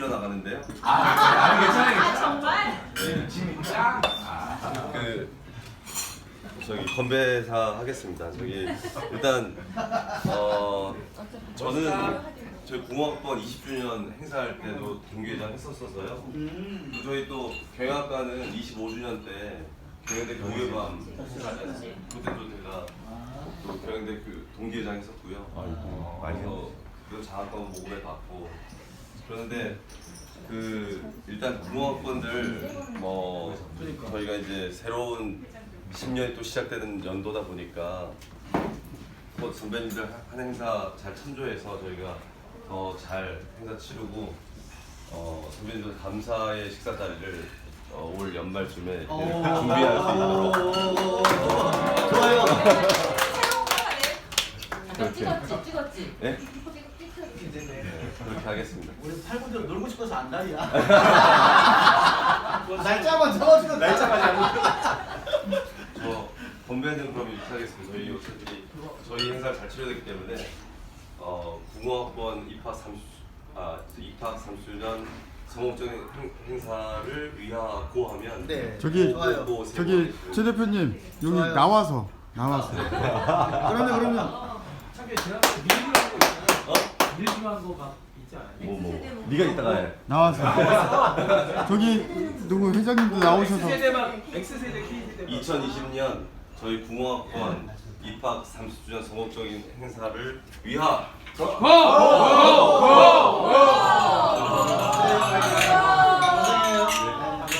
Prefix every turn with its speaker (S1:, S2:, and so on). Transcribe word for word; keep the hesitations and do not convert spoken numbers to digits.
S1: 나가는데요.
S2: 아, 아 괜찮아요.
S3: 아 정말?
S1: 네.
S2: 진짜? 아,
S1: 그 저기 건배사 하겠습니다. 저기 일단 어 저는 저희 공학번 이십 주년 행사할 때도 동기회장 했었어서요. 음. 저희 또 경영학과는 이십오 주년 때 경영대 교회밤 그때 또 제가 또 경영대 그 동기회장 했었고요. 어, 그래서 그 장학금 모금에 받고 그런데 그 일단 공학번들 뭐 저희가 이제 새로운 십 년이 또 시작되는 연도다 보니까 뭐 선배님들 한 행사 잘 참조해서 저희가 더 잘 행사 치르고 어 선배님들 감사의 식사 자리를 어, 올 연말쯤에 준비할 수 있도록
S4: 좋아요.
S3: 너 찍었지? 찍었지?
S1: 네?
S4: 네네.
S1: 그렇게 하겠습니다.
S4: 우리 팔분들 놀고 싶어서 안달이야. 날짜만 적어주면 날짜까지 알고.
S1: 저 건배는 그럼 이렇게 하겠습니다. 저희 요새들이 저희 행사를 잘 치러야 되기 때문에 어 공학번 입학 삼십 아 입학 삼십 주년 성공적인 행, 행사를 위하고 하면
S4: 네.
S5: 저기
S4: 좋아요.
S1: 뭐 세
S5: 저기
S1: 번
S5: 최 대표님 여기
S4: 좋아요.
S5: 나와서 나와서
S4: 그러면 그러면
S2: 참게 지난번에 밀기로 한거 있잖아요.
S1: 어?
S2: 밀기로 한거막 있지 않아요?
S1: 뭐 뭐 네가 이따가 해.
S5: 나와서 저기 누구 회장님도 나오셔서
S2: X세대만 X세대 K세대
S1: 이천이십 년 저희 공학번 입학 삼십 주년 성공적인 행사를 위하
S2: 고! 고! 고! 고!